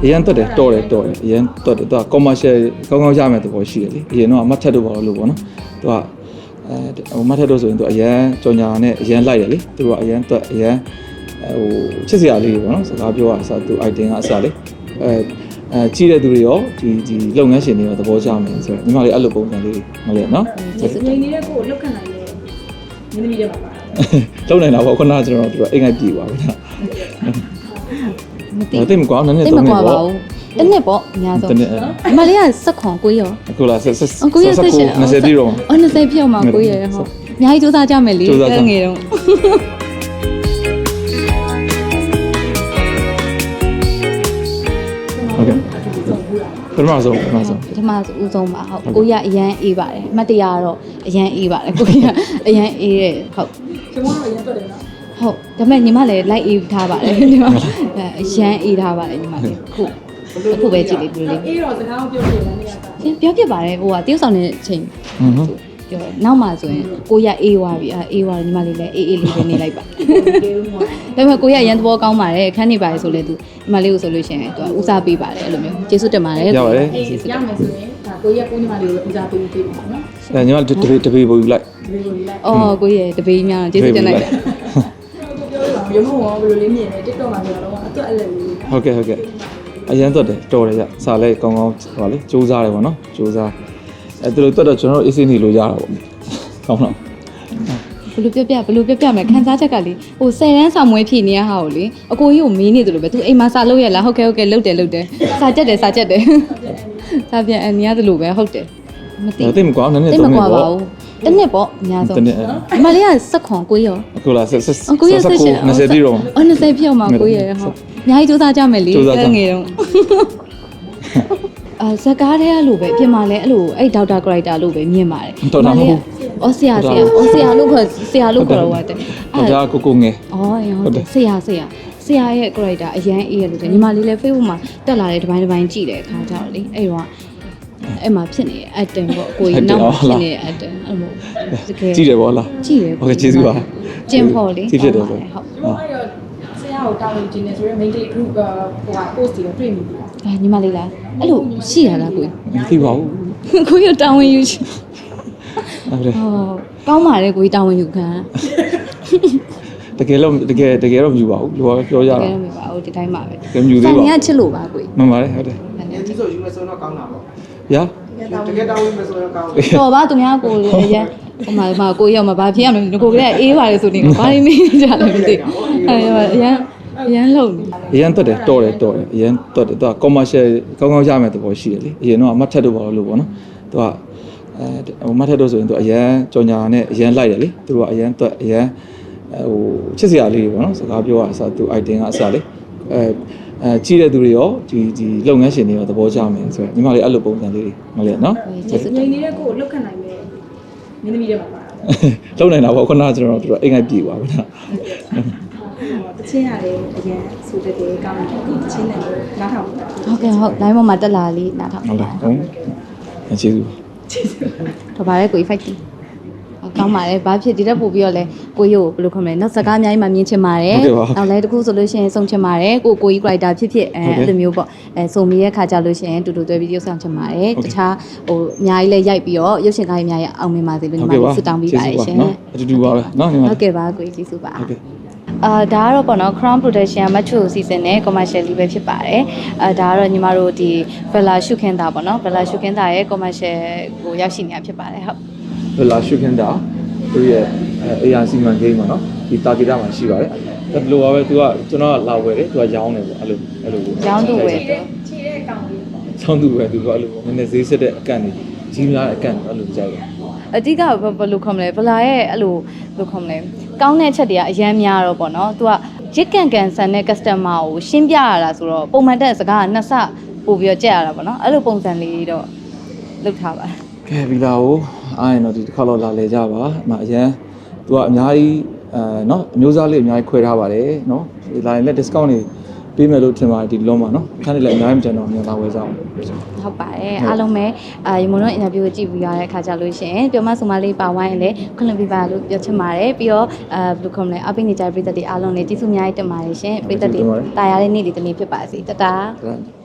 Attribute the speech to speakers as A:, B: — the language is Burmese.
A: အရန်တက်တယ်တော်တယ်အရန်တက်တယ်သူက commercial ကောင်းရမယ်သဘောရှိတယ်လေအရင်တော့အမတ်ထက်တို့ပါလို့ပေါ့နော်သူကမတ်ထက်တို့ဆိုရင်သူအရန်ကြော်ညာနဲ့အရန်လိုက်တယ်လေသူကအရန်တက်အရန်ချစ်စရာလေးပေါ့နော်စကားပြောရအစားသူ item ကအစားလေကြီးတဲ့သူတွေရောဒီလုပ်ငန်းရှင်တွေရောသဘောကျမယ်ဆိုတော့ညီမလေးအဲ့လိုပုံစံလေးမလဲနော်
B: နေနေတဲ့ကိုလောက်ခံနိုင်တယ်မင်းသမီးတွေပါပါ
A: လုံနိုင်တာပေါ့ခုနကကျွန်တော်တို့အိမ်ငိုက်ပြေပါဘူးနော်မသိမကွာနည်းနည်းသုံးနေပေါ့
C: တနစ်ပေါ့အများဆုံးမလေးကစက်ခွန်ကိုရော
A: အခုလားဆက်
C: ကိုရဆက်ရှင်
A: 20ပြည့်တော့
C: 20ပြည့်အောင်မှာကိုရဟုတ်အများကြီးစူးစမ်းကြမယ်လေငယ်တော့
A: ဟုတ်ကဲ့ပထမဆုံး
C: ဦးဆုံးပါဟုတ်ကိုရအရန်အေးပါတယ်အမှတ်တရကတော့အရန်အေးပါတယ်ကိုရအရန်အေးတယ်ဟုတ်
B: ကျွန်တော်တို့အရန်တက်တယ်နော်
C: ဟုတ်ဒါပေမဲ့ညီမလည်းလိုက်အေးထားပါတယ်ညီမအရန်အေးထားပါတယ်ညီမလေးခုပဲကြည့်လေး
B: အေးတော့စကားပြောပြတယ်
C: နေရတာပြောပြပါတယ်ဟိုကတယောက်ဆောင်တဲ့အချိန်ပြောနောက်မှဆိုရင်ကိုရအေးွားပြီအေးွားညီမလေးလည်းအေးလေးပဲနေလိုက်ပါဒါပေမဲ့ကိုရရန်သဘောကောင်းပါတယ်ခန်းနေပါတယ်ဆိုလဲသူညီမလေးကိုဆိုလို့ရှိရင်သူဦးစားပေးပါတယ်အဲ့လိုမျိုးကျေးဇူးတင်ပါတယ်
A: ရပါတယ်
B: ရမယ်ဆိုရင်ဒါကိုရကိုညီမလေးကိုဦးစားပေးပါနော်
A: ညီမတပေပို့ယူလိုက်
C: အော်ကိုရတပေများကျေးဇူးတင်လိုက်
B: ရုံးမောဘယ်လိုလေးမြင်လဲ TikTok မှာဆိုတော့အတွက်အဲ့လို
A: ဟုတ်ကဲ့အရန်တက်တယ်တော်တယ်ကြစာလဲကောင်းဟောလေစူးစားတယ်ပေါ့နော်စူးစားသူတို့တက်တော့ကျွန်တော်တို့အေးစေးနေလို့ရတာပေါ့ကောင်းတော့
C: ဘလို့ပြမယ်ခန်းစားချက်ကလေဟို10ရန်ဆောင်မွေးဖြည့်နေရဟာကိုလေအကိုကြီးကိုမေးနေတယ်လို့ပဲသူအိမ်မှာစာလုပ်ရလားဟုတ်ကဲ့လုတ်တယ်စာကြက်တယ်စာပြန်အနီးရတယ်လို့ပဲဟုတ်တယ်
A: မသိမကွာနည်းနည်းသုံးနေပေါ့
C: တနစ်ပေါ့အများဆုံးမလေးကစက်ခွန်ကိုရော
A: အခုလားဆက်
C: ရှင်
A: 20ပြည့်တော့
C: 20ပြည့်အောင်မှာကိုရဟုတ်အများကြီးစူးစမ်းကြမယ်လေငယ်တော့ဇကားတဲ့လို့ပဲအပြင်မှာလဲအဲ့လိုအဲ့ဒေါက်တာကရိုက်တာလို့ပဲမြင်ပါတယ်
A: တော်တော်မဟုတ်
C: ဆရာလို့ခေါ်တော့ဟုတ်တယ်
A: ဒါကိုငယ်
C: ဟုတ်တယ်ဆရာရဲ့ character အရန်အေးရလို့ညီမလေးလည်း Facebook မှာတက်လာတဲ့တစ်ပိုင်းကြည့်တယ်အခါကျတော့လေအဲ့တော့အဲ့မှာဖြစ်နေတဲ့အတန်ပေါ့ကိုကြီးနောက်ဖြစ်နေတဲ့အတန်အဲ့လို
A: တကယ်ကြည့်တယ်ပေါ့လား
C: ကြည့်တယ်
A: ဟုတ်ကဲ့ကျေးဇူးပါ
C: ကျင်းဖို့လေ
A: ကြည့်ဖြစ်တယ်ဆို
B: ဟုတ်အဲ့တော့ဆရာကိုတောင်းနေတယ်ဆိုရင် main group ဟိုက post တွေတွေ့နေပြီ
C: ညီမလေးလားအဲ့လိုရှိရလားကို
A: မသိပါဘူး
C: ကိုရတောင်းဝင်ယူချင်ကောင်းပါတယ်ကိုကြီးတောင်းဝင်ယူခံ
A: တကယ်တော့မယူပါဘူးလူကပြောရတာ
C: တကယ်တော့မယူပါဘူးဒီတိုင်းပါပဲ
A: တကယ်မယူသေးပါဘူး
C: ဆန်ကချစ်လို့ပါကိုကြီး
A: မှန်ပါတယ်ဟုတ်တယ်
D: ဒီဆိုယူမယ်ဆိုတော့ကောင်းတာပေါ့
A: ရာ
D: တကယ်တောင်းဝင်မယ်ဆိုတော့ကောင်းတယ်
C: တော်ပါသူများကိုလည်းရဟိုမှာကိုရောက်မှာဘာဖြစ်ရမလဲကိုကလည်းအေးပါတယ်ဆိုနေဘာလို့မေးကြလဲမသိအရန်လုံနေ
A: အရန်တက်တယ်တော်တယ်အရန်တက်တယ်သူက commercial ကောင်းရမယ်သဘောရှိတယ်လေအရင်တော့အမတ်ထက်တို့ပါလို့ပေါ့နော်သူကမတ်ထက်တို့ဆိုရင်သူအရန်ကြော်ညာနဲ့အရန်လိုက်တယ်လေသူကအရန်တက်အရန်ချစ်စရာလေးပေါ့နော်စကားပြောရအစားသူ item ကအစားလေကြီးတဲ့သူတွေရောဒီလုပ်ငန်းရှင်တွေရောသဘောကျမယ်ဆိုတော့ညီမလေးအဲ့လိုပုံစံလေးမလဲနော်
B: နေနေတဲ့ကိုလောက်ခံနိုင်တယ်မင်းသမီးတွေပါပါ
A: လုံနိုင်တာပေါ့ခုနကကျွန်တော်တို့အိမ်ငိုက်ပြေပါဘူးနော်
B: တချင်းရတယ်အရင်ဆိုတဲ့ကောင်းတယ်တချင်းနဲ့နားထောင်
C: ဟုတ်ကဲ့ဟုတ် line ပေါ်မှာတက်လာလေးနားထောင်
A: ဟုတ်လားဟုတ်ကျေးဇူး
C: တော့ပါတယ်ကို fight ကောင်းပါတယ်ဘာဖြစ်ဒီတက်ပို့ပြီးတော့လဲကိုကြီးကိုဘယ်လိုခေါ်မလဲနောက်စကားအများကြီးမှမြင်ချင်ပါတယ်နောက်လဲတခုဆိုလို့ရှိရင်စုံချင်ပါတယ်ကိုကြီး character ဖြစ်အဲ့လိုမျိုးပေါ့စုံမိရဲ့ခါကြလို့ရှိရင်တူတွဲပြီးရုပ်ဆောင်ချင်ပါတယ်တခြားဟိုအများကြီးလဲရိုက်ပြီးတော့ရုပ်ရှင်ကားကြီးအများကြီးအောင်မြင်ပါစေလို့ညီမဆုတောင်းပေးပါတယ်ရှင်
A: အတူတူပါပဲနော်ညီမ
C: ဟုတ်ကဲ့ပါကိုကြီးကျေးဇူးပါဒါကတော့ပေါ့နော် Crown Production မချိုစီစဉ်နဲ့ commercial လေးပဲဖြစ်ပါတယ်ဒါကတော့ညီမတို့ဒီ Bella ရှုခင်းတာပေါ့နော် Bella ရှုခင်းတာရဲ့ commercial ကိုရောက်ရှိနေတာဖြစ်ပါတယ်ဟုတ်
A: Bella ရှုခင်းတာသူရဲ့ AR စီမံကိန်းပေါ့နော်ဒီတာဂီတာမှာရှိပါတယ်ဒါဘယ်လိုပါပဲသူကကျွန်တော်ကလာဝယ်တယ်သူကရောင်းတယ်ပေါ့အဲ့လို
C: ရောင်းသူဝယ်တယ်
B: ခြေတဲ့ကောင်လေးပေါ့
A: ရောင်းသူဝယ်သူကအဲ့လိုနည်းနည်းဈေးစစ်တဲ့အကန့်တွေကြီးများတဲ့အကန့်အဲ့လိုကြိုက်တယ်
C: အတိကဘယ်လိုခေါ်မလဲဗလာရဲ့အဲ့လိုဘယ်လိုခေါ်မလဲကောင်းတဲ့အချက်တွေကအများများတော့ပေါ့နော်သူကရစ်ကန်ဆန်တဲ့ customer ကိုရှင်းပြရတာဆိုတော့ပုံမှန်တဲ့စကားကနှစ်ဆပို့ပြီးတော့ကြက်ရတာပေါ့နော်အဲ့လိုပုံစံလေးတော့လုပ်ထားပါ
A: ကဲဗီလာကိုအားရင်တော့ဒီတစ်ခါတော့လာလေကြပါအမအရန်သူကအများကြီးနော်အမျိုးသားလေးအများကြီးခွဲထားပါတယ်နော်ဒီလာရင်လက် discount တွေပေးမယ်လို့ထင်ပါတယ်ဒီလုံးမှာနော်ခန်းလေးလည်းအများကြီးမကျန်တော့မြန်လာဝယ်ကြအောင်
C: ဟုတ်ပါတယ်အားလုံးပဲရေမုံတို့ interview ကိုကြည့်ပြီးရတဲ့အခါကြလို့ရှိရင်ပြောမဆိုမလေးပါဝိုင်းလည်းခွင့်လွှတ်ပေးပါလို့ပြောချင်ပါတယ်ပြီးတော့ဘယ်လိုခေါ်မလဲအပိနေကြပြည်သက်တွေအားလုံးလည်းကျေးဇူးအများကြီးတင်ပါတယ်ရှင်ပြည်သက်တွေတာယာတဲ့နေ့ဒီတနေ့ဖြစ်ပါစေတတာ